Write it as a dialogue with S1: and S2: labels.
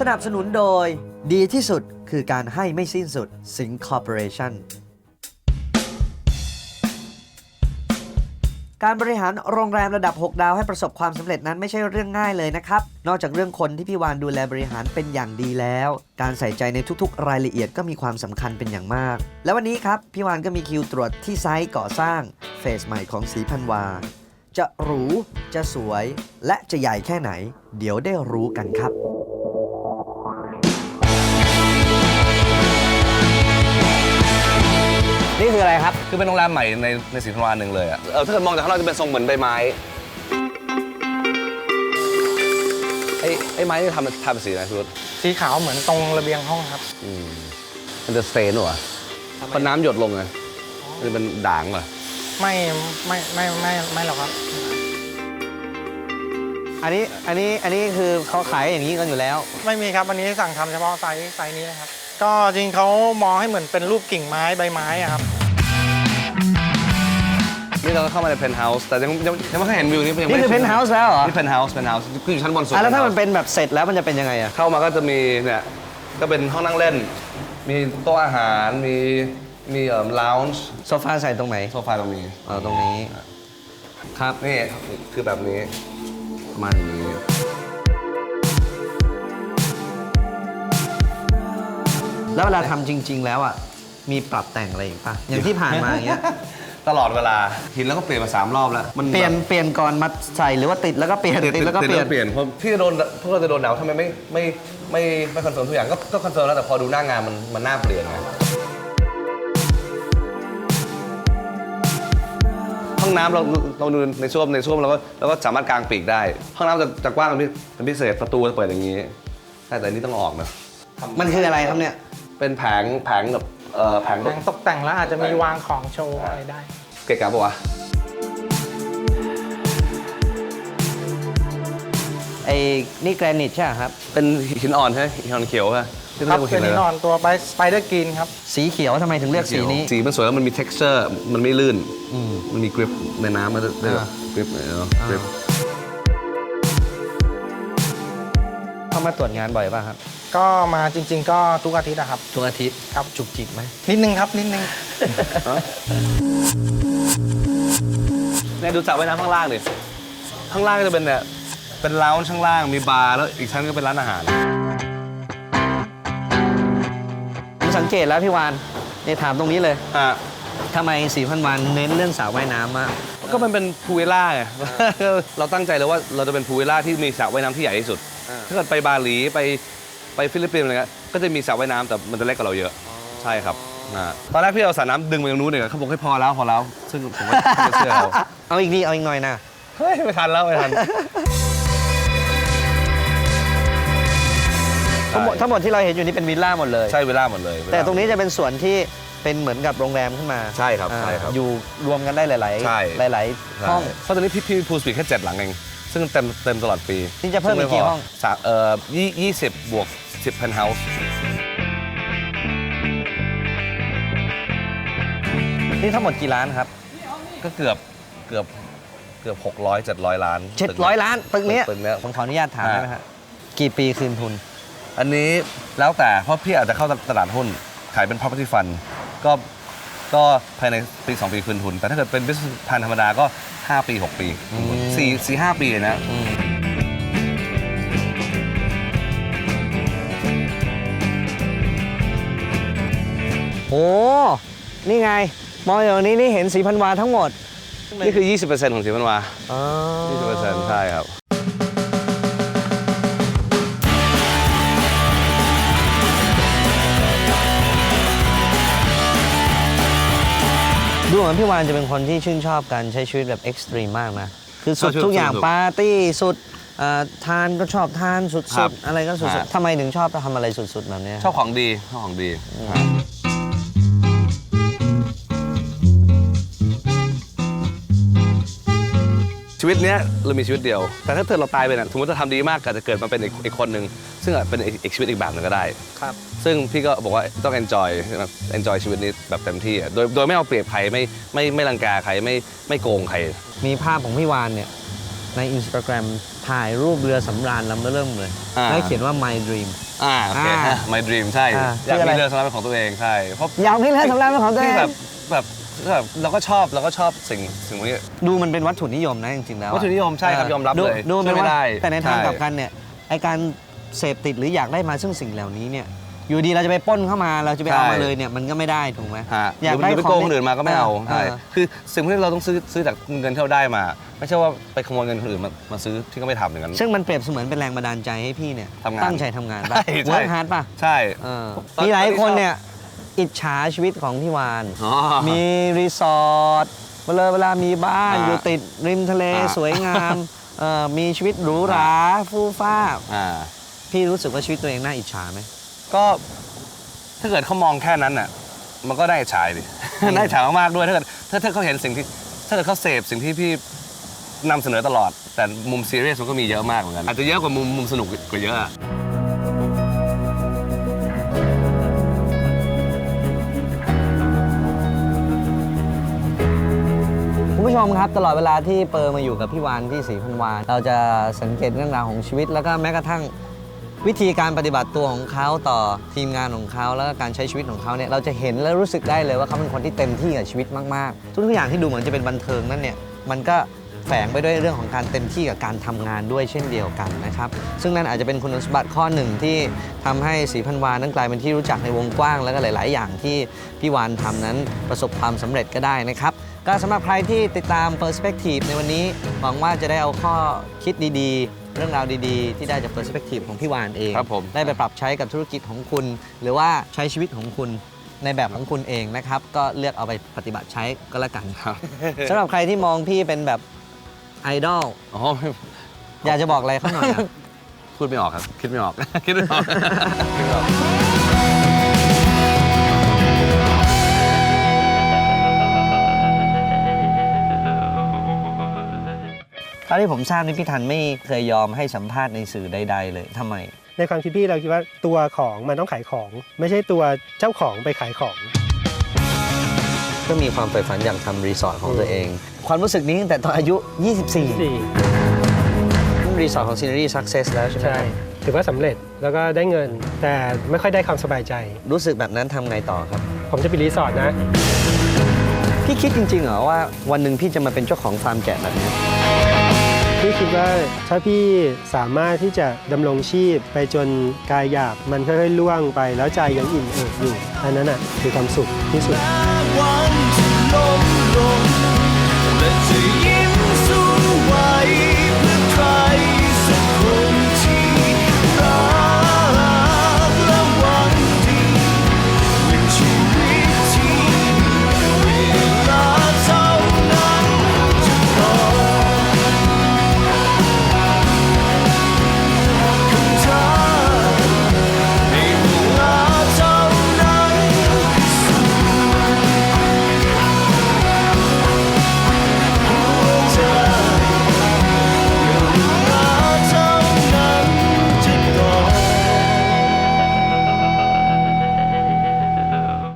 S1: นับสนุนโดยดีที่สุดคือการให้ไม่สิ้นสุด Sing Corporation การบริหารโรงแรมระดับ 6 ดาวให้ประสบความสำเร็จนั้นไม่ใช่เรื่องง่ายเลยนะครับนอกจากเรื่องคนที่พี่วานดูแลบริหารเป็นอย่างดีแล้วการใส่ใจในทุกๆรายละเอียดก็มีความสำคัญเป็นอย่างมากและวันนี้ครับพี่วานก็มีคิวตรวจที่ไซต์ก่อสร้างเฟสใหม่ของศรีพันวาจะหรูจะสวยและจะใหญ่แค่ไหนเดี๋ยวได้รู้กันครับนี่คืออะไรครับ
S2: คือเป็นโรงแรมใหม่ในศรีพันวาหนึ่งเลยอ่ะถ้าเกิดมองจากข้างนอกจะเป็นทรงเหมือนใบไม้ไอ้ไม้ที่ทำสีอะไรพี่รุธ
S3: สีขาวเหมือนตรงระเบียงห้องครับ
S2: มันจะสเตนหรอพอน้ำหยดลงไงมันเป็นด่างเหรอ
S3: ไม่หรอกครับ
S1: อันนี้คือเขาขายอย่างนี้กันอยู่แล้ว
S3: ไม่มีครับอันนี้สั่งทำเฉพาะไซส์นี้นะครับก็จริงเขามองให้เหมือนเป็นรูปกิ่งไม้ใบไม้อะครับ
S2: นี่เราก็เข้ามาในเพนท์เฮาส์แต่ยังไม่เคยเห็นวิวนี้
S1: นี่คือเพนท์เฮาส์แล้วเหรอ
S2: นี่เพนท์เฮาส์คืออยู่ชั้นบนสุด
S1: แล้วถ้ามันเป็นแบบเสร็จแล้วมันจะเป็นยังไงอะ
S2: เข้ามาก็จะมีเนี่ยก็เป็นห้องนั่งเล่นมีโต๊ะอาหารมีลาวน์จ์
S1: โซฟาใส่ตรงไหน
S2: โซฟาตรงนี้
S1: ตรงนี้ครับ
S2: นี่คือแบบนี้ประมาณนี้
S1: แล้วเวลาทำจริงๆแล้วอ่ะมีปรับแต่งอะไรอีกป่ะอย่างที่ผ่านมาอย่างเงี้ย
S2: ตลอดเวลาหินแล้วก็เปลี่ยนมา3 รอบแล้ว
S1: มันเปลี่ยนก่อนมาใส่หรือว่าติดแล้วก็เปลี่ยนติดแล้วก็เปลี่ยน
S2: เพราะที่พวกเราจะโดนหนาวทำไมไม่คอนเฟิร์มทุกอย่างก็คอนเฟิร์มแล้วแต่พอดูหน้างานมันน่าเปลี่ยนไงห้องน้ำเราดูในส้วมเราก็สามารถกางปีกได้ห้องน้ำจะกว้างเป็นพิเศษประตูจะเปิดอย่างนี้แต่อันนี้ต้องออกนะ
S1: มันคืออะไรครับเนี่ย
S2: เป็นแผงแบบแผง
S3: ตกแต่งแล้วอาจจะมีวางของโชว์อะไรได้
S2: เก๋ๆปะวะ
S1: นี่แกรนิตใช่ไหมครับ
S2: เป็นหินอ่อนใช่ไหมหินอ่อนเขียว
S3: ครับเป็นหินอ่อนตัวสไปเดอร์กรีนครับ
S1: สีเขียวทำไมถึงเลือกสีนี้
S2: สีมันสวยแล้วมันมี texture มันไม่ลื่นมันมีกริปในน้ำมันได้แบบกริป
S1: เข้ามาตรวจงานบ่อยป่ะครับ
S3: ก็มาจริงๆก็ทุกอาทิตย์นะครับ
S1: ทุกอาทิตย์
S3: ครับ
S1: จุกจิกไหม
S3: นิดนึงครับนิดนึง
S2: เนี่ยดูสระว่ายน้ำข้างล่างดิข้างล่างก็จะเป็นเนี่ยเป็นร้านข้างล่างมีบาร์แล้วอีกชั้นก็เป็นร้านอาหาร
S1: ผมสังเกตแล้วพี่วานเนี่ยถามตรงนี้เลยทำไมศรีพันวาเน้นเรื่องสระว่ายน้ำมาก
S2: ก็มันเป็นพูลวิลล่าไงเราตั้งใจเลยว่าเราจะเป็นพูลวิลล่าที่มีสระว่ายน้ำที่ใหญ่ที่สุดถ้าเกิดไปบาหลีไปฟิลิปปินส์อะไรเงี้ยก็จะมีสระว่ายน้ำแต่มันจะเล็กกว่าเราเยอะใช่ครับตอนแรกพี่เอาสระน้ำดึงไปตรงนู้นเนี่ยเขาบอกให้พอแล้วซึ่งผมไม่เชื่อเขา
S1: เอาอีกนิดเอาอีกหน่อยนะ
S2: เฮ้ยไม่ทัน
S1: ทั้งหมดที่เราเห็นอยู่นี่เป็นวิลล่าหมดเลย
S2: ใช่วิลล่าหมดเลย
S1: แต่ตรงนี้จะเป็นส่วนที่เป็นเหมือนกับโรงแรมขึ้นมา
S2: ใช่ครับ
S1: อยู่รวมกันได้หลายห้อง
S2: เพราะตอนนี้พี่พูลสปีดแค่7 หลังเองซึ่งเต็มตลอดปี
S1: นี่จะเพิ่มอีกกี่ห้อง
S2: 20 บวก 10 เพนท์เฮาส์
S1: นี่ทั้งหมดกี่ล้านครับ
S2: ก็เกือบ600-700 ล้าน
S1: 700 ล้านตึกนี้ผมขออนุญาตถามได้ไหมครับกี่ปีคืนทุน
S2: อันนี้แล้วแต่เพราะพี่อาจจะเข้าตลาดหุ้นขายเป็น property fund ก็ภายในปี2 ปีคืนทุนแต่ถ้าเกิดเป็น business plan ธรรมดาก็5 ปี 6 ปี4-5 ปีนะ
S1: โอ้นี่ไงมองอย่างนี้นี่เห็นศรีพันวาทั้งหมด
S2: นี่คือ 20% ของศรีพันวา20%ใช่ครับ
S1: ดูเหมือนพี่วานจะเป็นคนที่ชื่นชอบการใช้ชีวิตแบบเอ็กซ์ตรีมมากนะคือสุดทุกอย่างปาร์ตี้สุดทานก็ชอบทานสุดๆอะไรก็สุดๆทำไมถึงชอบทำอะไรสุดๆแบบนี้
S2: ชอบของดีชีวิตเนี้ยเรามีชีวิตเดียวแต่ถ้าเกิดเราตายไปเนี่ยสมมติเราทำดีมากก็จะเกิดมาเป็นอีกคนหนึ่งซึ่งเป็นอีกชีวิตอีกแบบหนึ่งก็ได้
S1: ครับ
S2: ซึ่งพี่ก็บอกว่าต้อง enjoy ชีวิตนี้แบบเต็มที่โดยไม่เอาเปรียบใครไม่รังแกใครไม่โกงใคร
S1: มีภาพของพี่วานเนี่ยใน Instagram ถ่ายรูปเรือสำราญลำเริ่มเลยแล้วเขียนว่า My Dream
S2: โอเค My Dream ใช่ อยากมีเรือสำราญเป็นของตัวเองใช่เพราะ
S1: อยากมีเรือสำราญเป็นของตัวเอง
S2: แบบเราก็ชอบสิ่งพวกนี้
S1: ดูมันเป็นวัตถุนิยมนะจริงๆแล้ว
S2: วัตถุนิยมใช่ครับยอมรับเลย
S1: ดูมันเป็น
S2: ไม่
S1: ว่า
S2: ได้
S1: แต่ในทาง
S2: ช่
S1: กลับกันเนี่ยไอการเสพติดหรืออยากได้มาซึ่งสิ่งเหล่านี้เนี่ยอยู่ดีเราจะไปปล้นเข้ามาเราจะไปเอามาเลยเนี่ยมันก็ไม่ได้ถูกไหม
S2: ฮะ
S1: อยาก
S2: ห
S1: ได้
S2: รือไป
S1: ของ
S2: โกงคนอื่นมาก็ไม่เอาใช่
S1: เออ
S2: คือสิ่งพวกนี้เราต้องซื้อจากเงินที่เราได้มา ไม่ใช่ว่าไปขโมยเงินคนอื่นมาซื้อที่ก็ไม่ทำอย่างนั้น
S1: ซึ่งมันเปรียบเสมือนเป็นแรงบันดาลใจให้พี่เนี่ย
S2: ทำงาน
S1: ตั้งใจทำงานป่ะ
S2: ใช่ใช่
S1: เวิร์กฮาร์ดป่ะ
S2: ใช่
S1: เออ
S2: ตอน
S1: มีหลาย
S2: ตอนที่
S1: คน
S2: ชอบ
S1: เนี่ยอิจฉาชีวิตของพี่วาน
S2: อ๋อ
S1: มีรีสอร์ทเวลามีบ้าน
S2: อ่า
S1: อยู่ติดริมทะเล
S2: อ่า
S1: สวยงามมีชีวิตหรูหราฟู่ฟ้า
S2: อ่า
S1: พี่รู้สึกว่าชีวิตตัวเองน่าอิจฉาไหม
S2: ก็ถ้าเกิดเขามองแค่นั้นน่ะมันก็ได้ฉายดิ ได้ฉายมากๆด้วยถ้าเกิดถ้าเขาเห็นสิ่งที่ถ้าเกิดเขาเสพสิ่งที่พี่นำเสนอตลอด แต่มุมซีเรียสมันก็มีเยอะมากเหมือนกันอาจจะเยอะกว่ามุมสนุกกว่าเยอะอะ
S1: คุณผู้ชมครับตลอดเวลาที่เปอร์มาอยู่กับพี่วานที่ศรีพันวาเราจะสังเกตเรื่องราวของชีวิต แล้วก็แม้กระทั่งวิธีการปฏิบัติตัวของเขาต่อทีมงานของเขาแล้วก็การใช้ชีวิตของเขาเนี่ยเราจะเห็นและรู้สึกได้เลยว่าเขาเป็นคนที่เต็มที่กับชีวิตมากๆทุกอย่างที่ดูเหมือนจะเป็นบันเทิงนั่นเนี่ยมันก็แฝงไปด้วยเรื่องของการเต็มที่กับการทำงานด้วยเช่นเดียวกันนะครับซึ่งนั่นอาจจะเป็นคุณสมบัติข้อหนึ่งที่ทำให้ศรีพันวานั้นกลายเป็นที่รู้จักในวงกว้างแล้วก็หลาย ๆ อย่างที่พี่วานทำนั้นประสบความสำเร็จก็ได้นะครับ ก็สำหรับใครที่ติดตาม Perspective ในวันนี้หวังว่าจะได้เอาข้อคิดดีๆ เรื่องราวดีๆ ที่ได้จาก Perspective ของพี่วานเอง
S2: ครับผม
S1: ได้ไปปรับใช้กับธุรกิจของคุณ หรือว่าใช้ชีวิตของคุณในแบบของคุณเองนะครับ ก็เลือกเอาไปปฏิบัติใช้ก็แล้วกัน
S2: ครับ
S1: สำหรับใครที่มองพี่เป็นแบบไอดอล
S2: อ๋อ
S1: อยากจะบอกอะไรเขาหน่อยอะ
S2: พูดไม่ออกครับ คิดไม่ออก คิดไม่ออก คิดไม่ออก
S1: เท่าที่ผมทราบนี่พี่ทันไม่เคยยอมให้สัมภาษณ์ในสื่อใดๆเลยทำไม
S4: ในความคิดพี่เราคิดว่าตัวของมันต้องขายของ ไม่ใช่ตัวเจ้าของไปขายของ
S1: ก็มีความใฝ่ฝันอยากทำรีสอร์ทของตัวเอง ความรู้สึกนี้ตั้งแต่ตอนอายุ 24 รีสอร์ทของ Scenery Success แล้วใช่ไหม
S4: ใช่ ถือว่าสำเร็จแล้วก็ได้เงิน แต่ไม่ค่อยได้ความสบายใจ
S1: รู้สึกแบบนั้นทำไงต่อครับ
S4: ผมจะปิดรีสอร์ทนะ
S1: พี่คิดจริงๆเหรอว่าวันหนึ่งพี่จะมาเป็นเจ้าของฟาร์มแกะแบบนี้
S4: พี่คิดว่าถ้าพี่สามารถที่จะดำรงชีพไปจนกายหยาบมันค่อยๆล่วงไปแล้วใจยังอิ่มเอิบอยู่อันนั้นน่ะคือความสุขที่สุด
S5: วันที่ลม